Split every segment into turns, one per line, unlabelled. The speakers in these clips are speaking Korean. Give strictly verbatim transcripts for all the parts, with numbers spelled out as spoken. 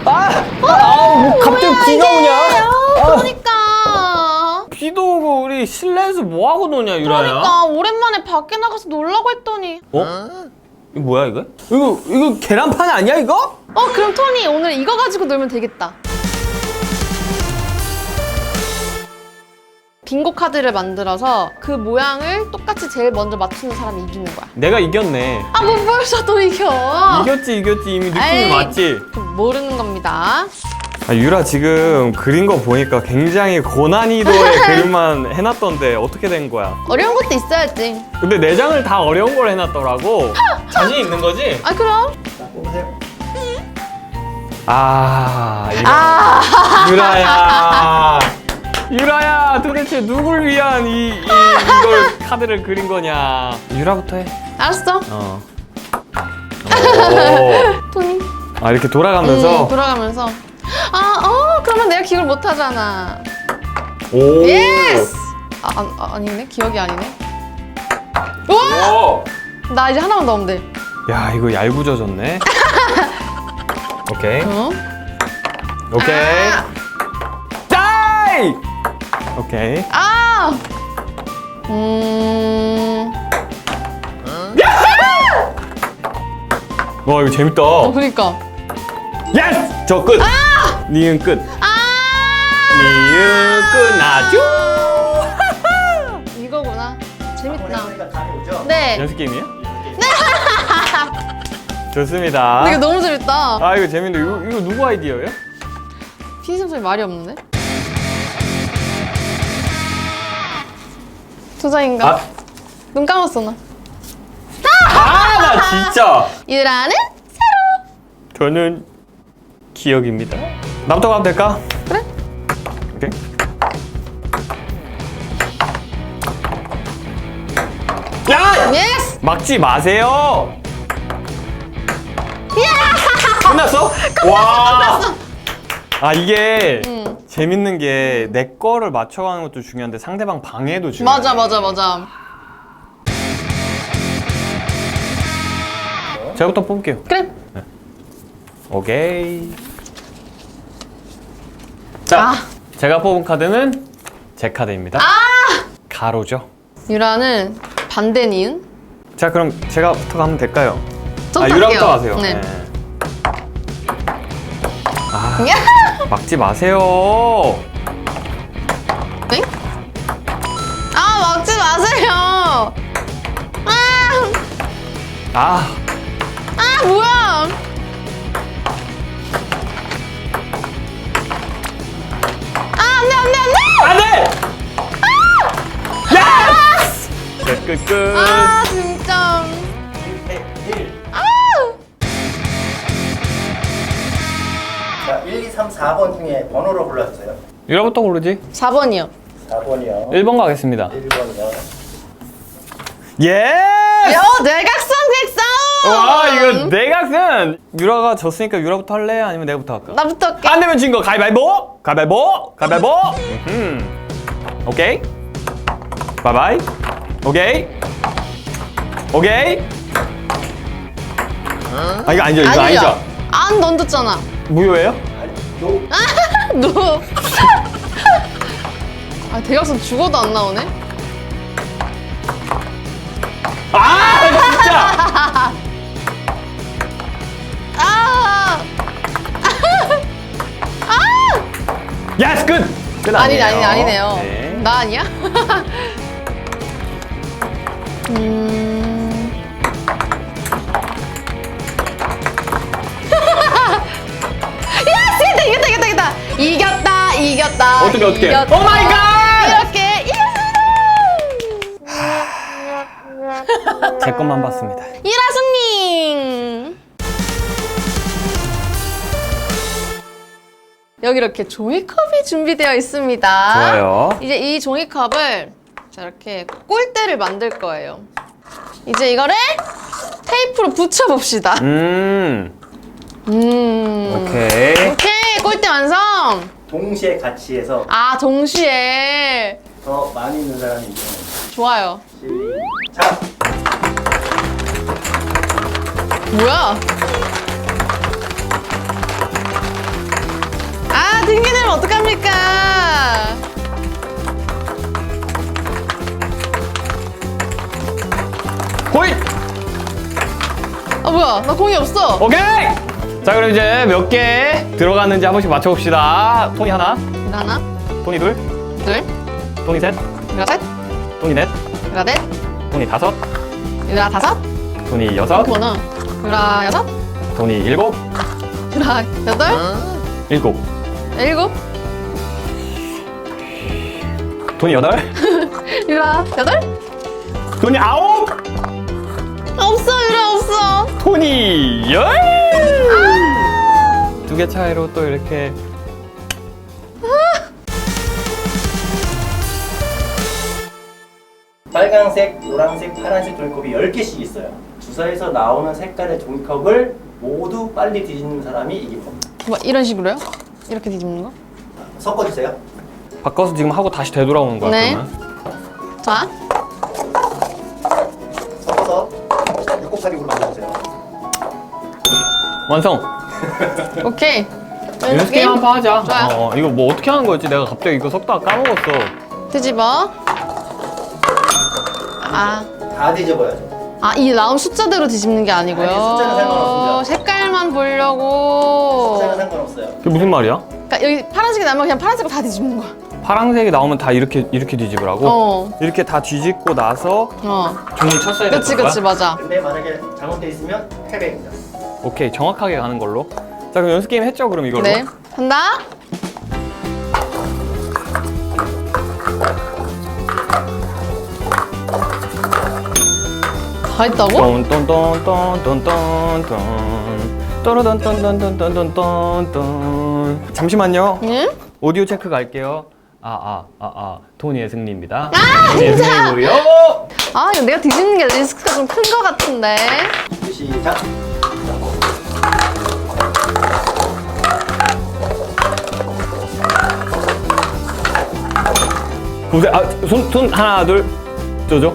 아! 아, 뭐 갑자기 비가 오냐? 아,
그러니까.
비도 오고 우리 실내에서 뭐 하고 노냐, 유라야?
그러니까 오랜만에 밖에 나가서 놀라고 했더니.
어? 이거 뭐야 이거? 이거 이거 계란판 아니야 이거?
어 그럼 토니 오늘 이거 가지고 놀면 되겠다. 빙고 카드를 만들어서 그 모양을 똑같이 제일 먼저 맞추는 사람이 이기는 거야.
내가 이겼네.
아 뭐 벌써 또 이겨?
이겼지 이겼지 이미 느낌이
에이.
맞지?
모르는 겁니다.
아, 유라 지금 그린 거 보니까 굉장히 고난이도의 그림만 해놨던데 어떻게 된 거야?
어려운 것도 있어야지.
근데 네 장을 다 어려운 걸 해놨더라고. 자신 있는 거지?
아 그럼.
자, 뽑으세요.
아, 이거
아
유라야. 유라야, 도대체 누굴 위한 이, 이 이걸 카드를 그린 거냐? 유라부터 해.
알았어.
어. 오.
토니.
아, 이렇게 돌아가면서.
음, 돌아가면서. 아, 어, 그러면 내가 기억을 못 하잖아.
오.
예스! 아, 아, 아, 아니네. 기억이 아니네. 우와!
오.
나 이제 하나만 넣으면 돼.
야, 이거 얄궂어졌네. 오케이.
어?
오케이.
아!
짜이! 오케이.
아! 음.
와, 이거 재밌다.
어, 그니까.
예스! 저 끝! 니은 끝.
아!
니은 끝나죠?
이거구나. 재밌다.
해보니까 감이 오죠?
네.
연습 게임이에요? 좋습니다.
근데 이거 너무 재밌다.
아, 이거 재밌는데. 이거, 이거 누구 아이디어예요?
피디님 소리 말이 없는데? 투자인가?
아,
눈 감았어, 나.
아, 나 진짜.
유라는?
저는 기억입니다. 나부터 가면 될까?
그래.
오케이. 야!
예스!
막지 마세요. 끝났어? 와. 아, 이게
응.
재밌는 게 내 거를 맞춰가는 것도 중요한데 상대방 방해도 중요해.
맞아, 맞아, 맞아.
제가부터 뽑을게요.
그래.
오케이. 자,
아.
제가 뽑은 카드는 제 카드입니다.
아!
가로죠.
유라는 반대 니은?
자, 그럼 제가부터 가면 될까요?
좀
아,
탈게요.
유라부터 가세요.
네.
아,
야!
막지 마세요.
네? 아, 막지 마세요. 아!
아,
아, 뭐야? 아, 안 돼, 안 돼, 안 돼!
안 돼! 예스! 끝, 끝, 끝.
아, 진짜.
일 대 일.
아!
자, 일, 이, 삼, 사 번 중에 번호로 골라주세요.
유라부터 고르지?
사 번이요.
사 번이요.
일 번 가겠습니다.
일 번이요.
예스!
야, 내각선 백사원!
와, 이거 내각은 유라가 졌으니까 유라부터 할래? 아니면 내가부터 할까?
나부터 할게.
안 되면 진 거 가위바위보! 가위바위보! 가위바위보! 음. 오케이. 바이바이. 오케이. 오케이. 아, 이거 아니죠? 이거
아니죠?
아니죠?
안 던졌잖아.
무효예요?
아니, 노.
너. 아, 대각선 죽어도 안 나오네?
아, 진짜!
아!
예스! 끝! 끝
아니네,
아니에요.
아니네, 아니네요.
네.
나 아니야? 음. 야, 이겼다, 이겼다, 이겼다, 이겼다. 이겼다, 이겼다.
어떻게, 어떻게?
이겼다.
오 마이 갓!
이렇게 이겼습니다.
제 것만 봤습니다.
이라수님. 여기 이렇게 종이컵이 준비되어 있습니다.
좋아요.
이제 이 종이컵을 자, 이렇게 꼴대를 만들 거예요. 이제 이거를 테이프로 붙여봅시다.
음.
음.
오케이.
오케이, 꼴대 완성.
동시에 같이 해서
아, 동시에.
더 많이 있는 사람이 이기는.
좋아요.
자,
뭐야? 어떡합니까?
호잇!
아 뭐야? 나 공이 없어.
오케이! 자, 그럼 이제 몇 개 들어갔는지 한 번씩 맞춰봅시다. 토니 하나,
이거 하나,
토니 둘,
둘,
토니 셋,
이거 셋,
토니 넷,
이거 넷,
토니 다섯,
이거 다섯,
토니 여섯,
이거는 이거 여섯,
토니 일곱,
이거 여덟,
일곱,
일곱,
토니 여덟,
이거 여덟.
토니 아홉,
없어, 유라 없어.
토니 열! 두 개 차이로 또 이렇게
빨강색, 노란색, 파란색 종이컵이 열 개씩 있어요. 주사에서 나오는 색깔의 종이컵을 모두 빨리 뒤집는 사람이 이긴 겁니다.
뭐 이런 식으로요? 이렇게 뒤집는 거?
섞어주세요.
바꿔서 지금 하고 다시 되돌아오는 거야.
네.
그러면.
자,
섞어서 육곱살이로 만들어주세요.
완성!
오케이.
연습 게임 한 판 하자.
좋아요.
어, 이거 뭐 어떻게 하는 거였지? 내가 갑자기 이거 섞다가 까먹었어.
뒤집어. 아,
다 뒤집어야죠.
아, 이 나온 숫자대로 뒤집는 게 아니고요.
아니, 숫자는 상관없습니다.
색깔만 보려고.
숫자는 상관없어요.
그게 무슨 말이야?
그러니까 여기 파란색이 나면 그냥 파란색으로 다 뒤집는 거야.
파란색이 나오면 다 이렇게 이렇게 뒤집으라고?
어.
이렇게 다 뒤집고 나서
어.
종이 쳤어야 되는
그치,
거야?
그치, 맞아.
근데 만약에 잘못돼 있으면 패배입니다.
오케이, 정확하게 가는 걸로. 자, 그럼 연습 게임 했죠? 그럼 이걸로?
네. 한다. 다 했다고?
똔똔똔똔똔똔똔 또르던똔똔똔똔똔똔 잠시만요.
응?
오디오 체크 갈게요. 아, 아, 아, 아. 토니의 승리입니다.
아,
토니의
진짜!
승리고요.
아, 이거 내가 뒤집는 게 리스크가 좀 큰 거 같은데.
시작.
보세요. 아, 손, 손 하나, 둘. 쪼죠?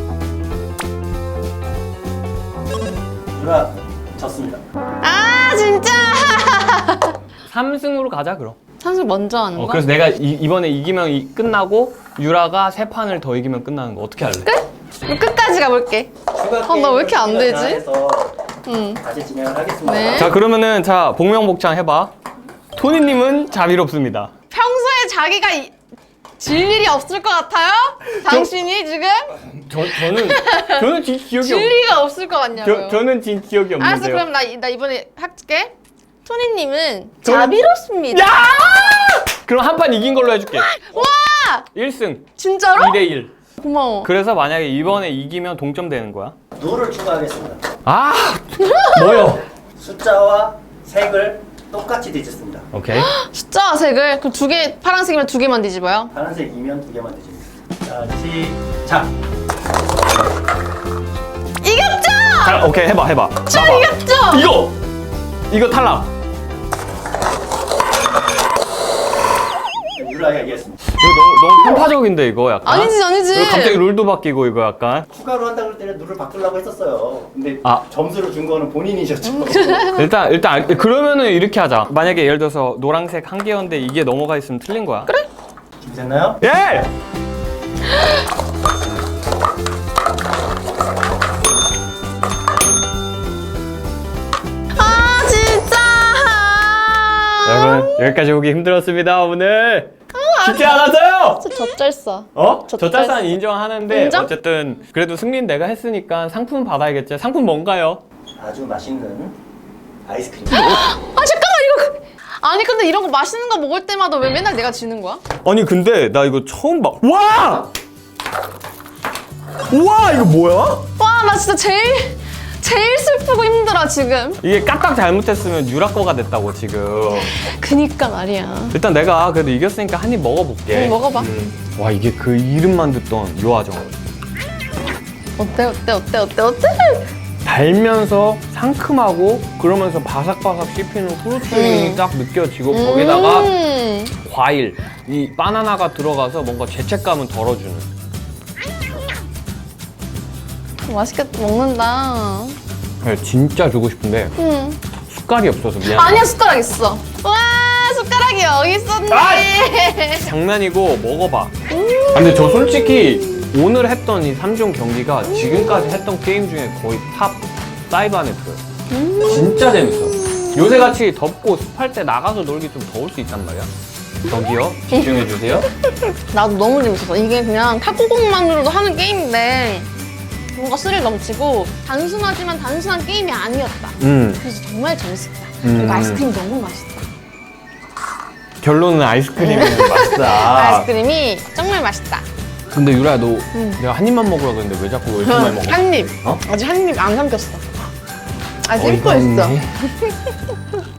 유라 졌습니다.
아, 진짜!
삼 승으로 가자, 그럼.
선수 먼저 하는
어,
거야?
그래서 내가 이, 이번에 이기면 이, 끝나고 유라가 세 판을 더 이기면 끝나는 거 어떻게 할래?
끝? 그럼 끝까지 가볼게.
추가
어, 나왜 이렇게 안
게임을
되지?
해서
응.
다시 진행을 하겠습니다.
네.
자, 그러면은 자 복명복창 해봐. 토니님은 자비롭습니다.
평소에 자기가 이- 질 일이 없을 것 같아요? 당신이 지금?
저 저는 저는 진 기억이
질
없.
리가 없을 것 같냐고요.
저 저는 진 기억이 없는데요.
알았어, 그럼 나, 이- 나 이번에 할게. 토니님은
저는-
자비롭습니다.
야! 그럼 한 판 이긴 걸로 해줄게.
와!
일 승
진짜로?
이 대 일.
고마워.
그래서 만약에 이번에 이기면 동점 되는 거야.
룰을 추가하겠습니다.
아 뭐요?
숫자와 색을 똑같이 뒤집습니다.
오케이.
숫자와 색을 그럼 두 개, 파란색이면 두 개만 뒤집어요.
파란색이면 두 개만 뒤집니다. 자, 시작.
이겼죠?
자, 오케이 해봐 해봐.
저
봐봐.
이겼죠?
이거 이거 탈락.
유라가 이겼습니다.
이거 너무 너무 편파적인데 이거 약간.
아니지, 아니지.
이거 갑자기 룰도 바뀌고 이거 약간.
추가로 한다 그럴 때는 룰을 바꾸려고 했었어요. 근데
아.
점수를 준 거는 본인이셨죠.
일단 일단 알- 그러면은 이렇게 하자. 만약에 예를 들어서 노란색 한 개였는데 이게 넘어가 있으면 틀린 거야. 그래?
준비됐나요?
예!
아, 진짜.
여러분 여기까지 오기 힘들었습니다 오늘. 쉽지 않았어요.
진짜 젖잘싸.
어?
저
저 짤산 인정하는데
인정?
어쨌든 그래도 승리는 내가 했으니까 상품 받아야겠지. 상품 뭔가요?
아주 맛있는 아이스크림.
아, 잠깐만, 이거. 그- 아니, 근데 이런 거 맛있는 거 먹을 때마다 왜 맨날 내가 지는 거야?
아니 근데 나 이거 처음 봐. 와! 와 이거 뭐야?
와, 나 진짜 제일, 제일 슬프고 힘들어, 지금.
이게 까딱 잘못했으면 유라 거가 됐다고 지금.
그니까 말이야.
일단 내가 그래도 이겼으니까 한 입 먹어볼게.
응, 먹어봐.
음. 와 이게 그 이름만 듣던 요아정.
어때, 어때, 어때, 어때, 어때?
달면서 상큼하고 그러면서 바삭바삭 씹히는 후루츠링이
음.
딱 느껴지고 거기다가
음.
과일, 이 바나나가 들어가서 뭔가 죄책감은 덜어주는.
맛있게 먹는다.
진짜 주고 싶은데
음.
숟갈이 없어서 미안해.
아니야, 숟가락 있어. 와, 숟가락 숟가락이 여기 있었네.
아! 장난이고 먹어봐. 근데 저 솔직히 오늘 했던 이 삼 종 경기가 지금까지 했던 게임 중에 거의 탑 파이브 안에 들어요. 진짜 재밌어. 요새같이 덥고 습할 때 나가서 놀기 좀 더울 수 있단 말이야. 저기요, 집중해주세요.
나도 너무 재밌었어. 이게 그냥 탁구공만으로도 하는 게임인데 뭔가 스릴 넘치고 단순하지만 단순한 게임이 아니었다.
음.
그래서 정말 재밌었다.
음.
그리고 아이스크림 너무 맛있다.
결론은 아이스크림이 맛있다.
아이스크림이 정말 맛있다.
근데 유라야, 너
음.
내가 한 입만 먹으라 그랬는데 왜 자꾸 왜 이렇게 많이 먹어?
한 입.
어?
아직 한 입 안 삼켰어. 아직
어이가
씹고 있어.
없네.